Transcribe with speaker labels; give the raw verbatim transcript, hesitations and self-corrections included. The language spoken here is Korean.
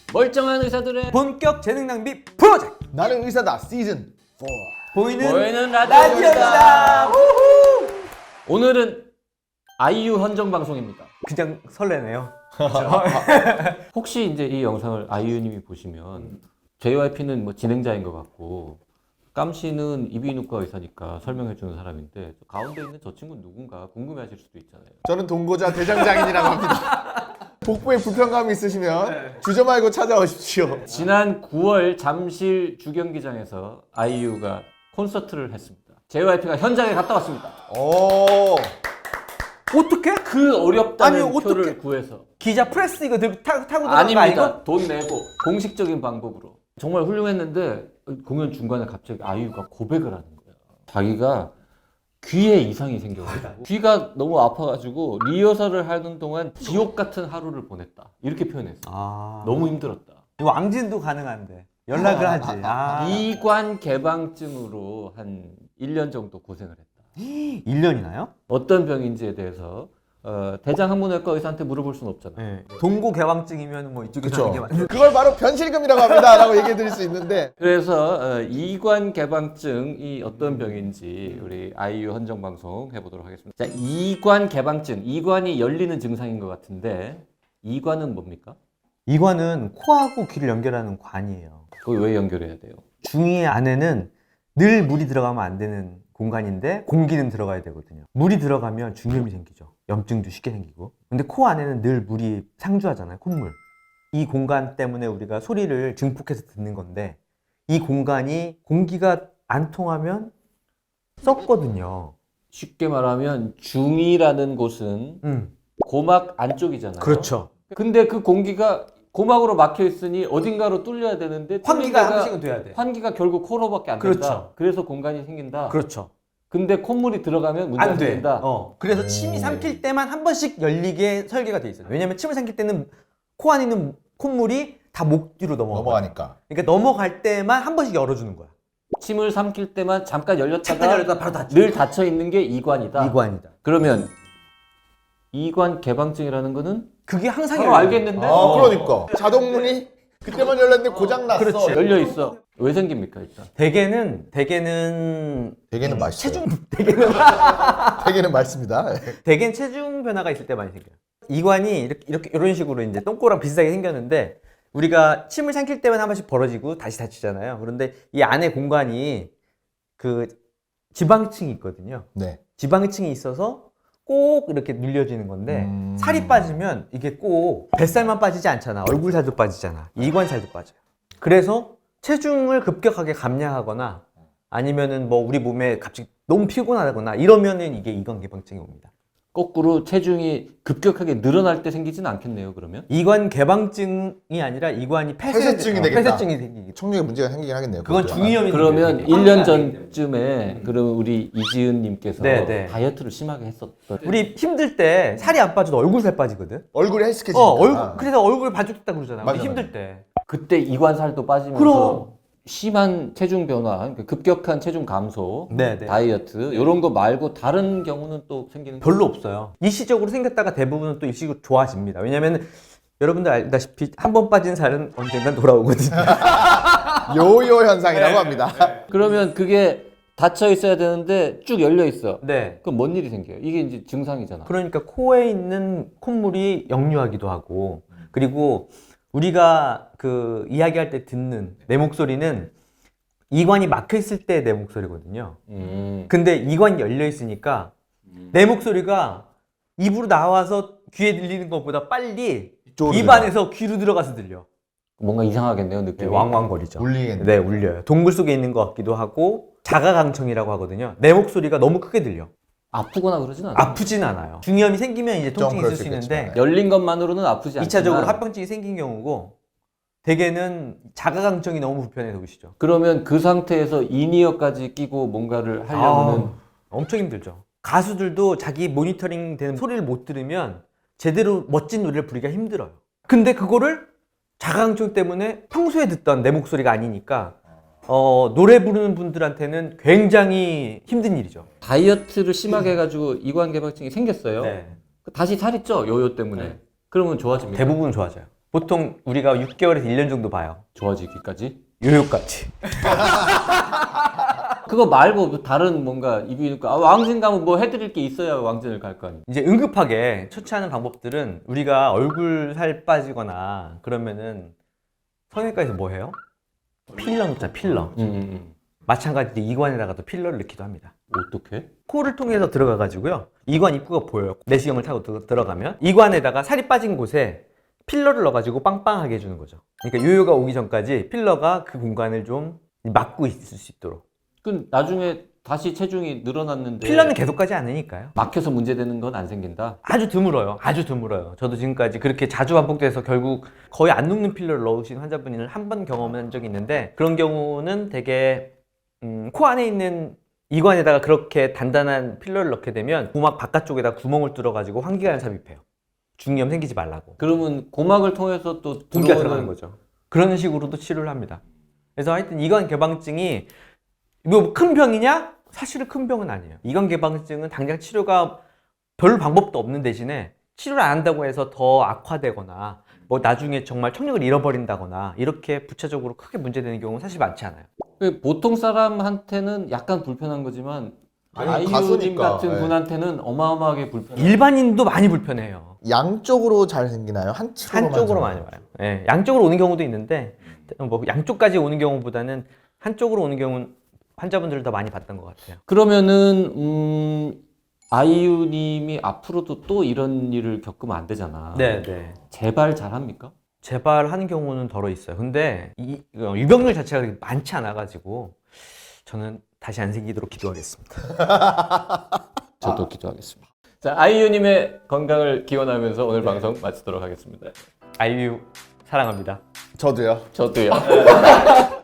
Speaker 1: 멀쩡한 의사들의
Speaker 2: 본격 재능 낭비 프로젝트
Speaker 3: 나는 의사다 시즌 사.
Speaker 2: 보이는,
Speaker 1: 보이는
Speaker 2: 라디오입니다.
Speaker 1: 라디오입니다.
Speaker 2: 우후!
Speaker 1: 오늘은 아이유 헌정 방송입니다.
Speaker 2: 그냥 설레네요.
Speaker 1: 혹시 이제 이 영상을 아이유님이 보시면 제이와이피는 뭐 진행자인 것 같고 깜씨는 이비인후과 의사니까 설명해주는 사람인데 가운데 있는 저 친구는 누군가 궁금해하실 수도 있잖아요.
Speaker 3: 저는 동고자 대장장인이라고 합니다. 복부에 불편감이 있으시면 주저 말고 찾아오십시오.
Speaker 1: 지난 구월 잠실 주경기장에서 아이유가 콘서트를 했습니다. 제이와이피가 현장에 갔다 왔습니다.
Speaker 3: 오.
Speaker 2: 어떻게?
Speaker 1: 그 어렵다는
Speaker 2: 아니,
Speaker 1: 표를
Speaker 2: 어떡해?
Speaker 1: 구해서
Speaker 2: 기자 프레스 이거 들고 타, 타고 들어간 거
Speaker 1: 아닙니다.
Speaker 2: 아니고?
Speaker 1: 돈 내고 공식적인 방법으로 정말 훌륭했는데 공연 중간에 갑자기 아이유가 고백을 하는 거야. 자기가 귀에 이상이 생겨가지고 귀가 너무 아파가지고 리허설을 하는 동안 지옥 같은 하루를 보냈다 이렇게 표현했어.
Speaker 2: 아,
Speaker 1: 너무 힘들었다.
Speaker 2: 이거 왕진도 가능한데 연락을 하지. 아,
Speaker 1: 이관 개방증으로 한 일 년 정도 고생을 했다.
Speaker 2: 일 년이나요?
Speaker 1: 어떤 병인지에 대해서 어, 대장 항문외과 의사한테 물어볼 수는 없잖아요.
Speaker 2: 네. 동고 개방증이면 뭐 이쪽에서
Speaker 3: 그렇죠.
Speaker 2: 하는 게 맞.
Speaker 3: 그걸 바로 변실금이라고 합니다라고 얘기해 드릴 수 있는데
Speaker 1: 그래서 어, 이관 개방증이 어떤 병인지 우리 아이유 헌정 방송 해보도록 하겠습니다. 자, 이관 개방증, 이관이 열리는 증상인 것 같은데 이관은 뭡니까?
Speaker 2: 이관은 코하고 귀를 연결하는 관이에요.
Speaker 1: 그거 왜 연결해야 돼요?
Speaker 2: 중이 안에는 늘 물이 들어가면 안 되는 공간인데 공기는 들어가야 되거든요. 물이 들어가면 중염이 생기죠. 염증도 쉽게 생기고. 근데 코 안에는 늘 물이 상주하잖아요. 콧물. 이 공간 때문에 우리가 소리를 증폭해서 듣는 건데 이 공간이 공기가 안 통하면 썩거든요.
Speaker 1: 쉽게 말하면 중이라는 곳은
Speaker 2: 음.
Speaker 1: 고막 안쪽이잖아요.
Speaker 2: 그렇죠.
Speaker 1: 근데 그 공기가 고막으로 막혀 있으니 어딘가로 뚫려야 되는데
Speaker 2: 환기가 한
Speaker 1: 뚫린 데가
Speaker 2: 번씩은 돼야 돼.
Speaker 1: 환기가 결국 코로밖에 안
Speaker 2: 그렇죠.
Speaker 1: 된다. 그래서 공간이 생긴다.
Speaker 2: 그렇죠.
Speaker 1: 근데 콧물이 들어가면 문제가
Speaker 2: 안 돼.
Speaker 1: 생긴다.
Speaker 2: 어. 그래서 침이 삼킬 때만 한 번씩 열리게 설계가 돼 있어요. 왜냐면 침을 삼킬 때는 코 안에 있는 콧물이 다 목 뒤로 넘어가.
Speaker 3: 넘어가니까.
Speaker 2: 그러니까 넘어갈 때만 한 번씩 열어주는 거야.
Speaker 1: 침을 삼킬 때만 잠깐 열렸다가
Speaker 2: 잠깐 열렸다가 바로 닫히고.
Speaker 1: 늘 닫혀 있는 게 이관이다.
Speaker 2: 이관이다.
Speaker 1: 그러면 이관 개방증이라는 거는
Speaker 2: 그게 항상
Speaker 1: 바로
Speaker 2: 열려요.
Speaker 1: 알겠는데
Speaker 3: 아 그러니까 자동문이 그때만 열렸는데 고장 났어.
Speaker 2: 그렇지.
Speaker 1: 열려 있어. 왜 생깁니까 일단?
Speaker 2: 대개는 대개는
Speaker 3: 대개는 맛있어요.
Speaker 2: 체중 대개는
Speaker 3: 대개는 맛있습니다.
Speaker 2: 대개는 체중 변화가 있을 때 많이 생겨요. 이관이 이렇게 이렇게 이런 식으로 이제 똥꼬랑 비슷하게 생겼는데 우리가 침을 삼킬 때만 한 번씩 벌어지고 다시 닫히잖아요. 그런데 이 안에 공간이 그 지방층이 있거든요.
Speaker 3: 네.
Speaker 2: 지방층이 있어서 꼭 이렇게 눌려지는 건데
Speaker 3: 음.
Speaker 2: 살이 빠지면 이게 꼭 뱃살만 빠지지 않잖아. 얼굴 살도 빠지잖아. 이관 살도 빠져요. 그래서 체중을 급격하게 감량하거나 아니면은 뭐 우리 몸에 갑자기 너무 피곤하거나 이러면은 이게 이관 개방증이 옵니다.
Speaker 1: 거꾸로 체중이 급격하게 늘어날 때 생기지는 않겠네요. 그러면
Speaker 2: 이관 개방증이 아니라 이관이 폐쇄,
Speaker 3: 폐쇄증이
Speaker 2: 어,
Speaker 3: 되겠다.
Speaker 2: 폐쇄증이 생기기.
Speaker 3: 청력에 문제가 생기긴 하겠네요.
Speaker 2: 그건
Speaker 3: 그것도.
Speaker 2: 중이염이
Speaker 1: 그러면
Speaker 2: 생겨요.
Speaker 1: 일 년
Speaker 2: 환기가 안 되기 때문에.
Speaker 1: 전쯤에 그럼 우리 이지은님께서
Speaker 2: 네, 네.
Speaker 1: 다이어트를 심하게 했었던
Speaker 2: 우리 힘들 때 살이 안 빠져도 얼굴 살 빠지거든.
Speaker 3: 얼굴이 헬스케지니까.
Speaker 2: 어, 얼굴 그래서 얼굴 반죽됐다 그러잖아. 우리
Speaker 3: 맞아,
Speaker 2: 힘들 때.
Speaker 1: 그때 이관살도 빠지면서
Speaker 2: 그럼.
Speaker 1: 심한 체중 변화, 그러니까 급격한 체중 감소,
Speaker 2: 네, 네.
Speaker 1: 다이어트 이런 거 말고 다른 경우는 또 생기는
Speaker 2: 별로 없어요. 일시적으로 생겼다가 대부분은 또 일시적으로 좋아집니다. 왜냐면 여러분들 알다시피 한 번 빠진 살은 언젠간 돌아오거든요.
Speaker 3: 요요 현상이라고
Speaker 2: 네.
Speaker 3: 합니다.
Speaker 1: 그러면 그게 닫혀 있어야 되는데 쭉 열려 있어.
Speaker 2: 네.
Speaker 1: 그럼 뭔 일이 생겨요? 이게 이제 증상이잖아.
Speaker 2: 그러니까 코에 있는 콧물이 역류하기도 하고 그리고 우리가 그 이야기할 때 듣는 내 목소리는 이관이 막혀 있을 때 내 목소리거든요.
Speaker 1: 음.
Speaker 2: 근데 이관이 열려 있으니까 내 목소리가 입으로 나와서 귀에 들리는 것보다 빨리
Speaker 3: 이쪽으로
Speaker 2: 입안에서 귀로 들어가서 들려.
Speaker 1: 뭔가 이상하겠네요,
Speaker 2: 네,
Speaker 1: 느낌이.
Speaker 2: 왕왕거리죠.
Speaker 3: 울리겠네.
Speaker 2: 네, 울려요. 동굴 속에 있는 것 같기도 하고 자가강청이라고 하거든요. 내 목소리가 너무 크게 들려.
Speaker 1: 아프거나 그러진 않아요.
Speaker 2: 아프진 않아요. 중이염이 생기면 이제 통증이
Speaker 3: 그럴
Speaker 2: 있을 수
Speaker 3: 수
Speaker 2: 있는데
Speaker 3: 있겠지만.
Speaker 1: 열린 것만으로는 아프지 않지만
Speaker 2: 이 차적으로 합병증이 생긴 경우고 대개는 자가강청이 너무 불편해서 오시죠.
Speaker 1: 그러면 그 상태에서 인이어까지 끼고 뭔가를 하려면은
Speaker 2: 아우, 엄청 힘들죠. 가수들도 자기 모니터링 되는 소리를 못 들으면 제대로 멋진 노래를 부르기가 힘들어요. 근데 그거를 자가강청 때문에 평소에 듣던 내 목소리가 아니니까 어, 노래 부르는 분들한테는 굉장히 힘든 일이죠.
Speaker 1: 다이어트를 심하게 해가지고 이관 개방증이 생겼어요.
Speaker 2: 네.
Speaker 1: 다시 살이 쪄 요요 때문에.
Speaker 2: 네.
Speaker 1: 그러면 좋아집니다.
Speaker 2: 대부분 좋아져요. 보통 우리가 육 개월에서 일 년 정도 봐요.
Speaker 1: 좋아지기까지.
Speaker 2: 요요까지.
Speaker 1: 그거 말고 그 다른 뭔가 이비인후과 아, 왕진 가면 뭐 해드릴 게 있어야 왕진을 갈 거 아니에요.
Speaker 2: 이제 응급하게 처치하는 방법들은 우리가 얼굴 살 빠지거나 그러면은 성형외과에서 뭐 해요? 필러 놓자, 필러.
Speaker 1: 음, 음,
Speaker 2: 마찬가지로 이관에다가도 필러를 넣기도 합니다.
Speaker 1: 음. 어떻게?
Speaker 2: 코를 통해서 들어가가지고요. 이관 입구가 보여요. 내시경을 타고 들- 들어가면 이관에다가 살이 빠진 곳에 필러를 넣어가지고 빵빵하게 해주는 거죠. 그러니까 요요가 오기 전까지 필러가 그 공간을 좀 막고 있을 수 있도록.
Speaker 1: 그 나중에 다시 체중이 늘어났는데
Speaker 2: 필러는 계속 가지 않으니까요.
Speaker 1: 막혀서 문제되는 건 안 생긴다.
Speaker 2: 아주 드물어요. 아주 드물어요. 저도 지금까지 그렇게 자주 반복돼서 결국 거의 안 녹는 필러를 넣으신 환자분을 한 번 경험한 적이 있는데 그런 경우는 되게 음, 코 안에 있는 이관에다가 그렇게 단단한 필러를 넣게 되면 고막 바깥쪽에다 구멍을 뚫어가지고 환기관을 삽입해요. 중이염 생기지 말라고.
Speaker 1: 그러면 고막을 통해서 또
Speaker 2: 공기가
Speaker 1: 들어오는
Speaker 2: 들어가는 거죠. 그런 식으로도 치료를 합니다. 그래서 하여튼 이관 개방증이 뭐 큰 병이냐? 사실은 큰 병은 아니에요. 이관 개방증은 당장 치료가 별 방법도 없는 대신에 치료를 안 한다고 해서 더 악화되거나 뭐 나중에 정말 청력을 잃어버린다거나 이렇게 부차적으로 크게 문제되는 경우는 사실 많지 않아요.
Speaker 1: 그 보통 사람한테는 약간 불편한 거지만
Speaker 3: 아니,
Speaker 1: 아이유님
Speaker 3: 가수니까,
Speaker 1: 같은
Speaker 3: 예.
Speaker 1: 분한테는 어마어마하게 불편해요.
Speaker 2: 일반인도 많이 불편해요.
Speaker 3: 양쪽으로 잘 생기나요? 한쪽으로만?
Speaker 2: 한쪽으로
Speaker 3: 잘
Speaker 2: 많이 와요. 예, 양쪽으로 오는 경우도 있는데 뭐 양쪽까지 오는 경우보다는 한쪽으로 오는 경우는 환자분들을 더 많이 봤던 것 같아요.
Speaker 1: 그러면은 음, 아이유님이 앞으로도 또 이런 일을 겪으면 안 되잖아.
Speaker 2: 네, 네.
Speaker 1: 재발 잘합니까?
Speaker 2: 재발하는 경우는 덜어 있어요. 근데 이 어, 유병률 자체가 그렇게 많지 않아 가지고 저는 다시 안 생기도록 기도하겠습니다.
Speaker 1: 저도 기도하겠습니다. 자, 아이유님의 건강을 기원하면서 오늘 방송 마치도록 하겠습니다.
Speaker 2: 아이유 사랑합니다.
Speaker 3: 저도요.
Speaker 1: 저도요.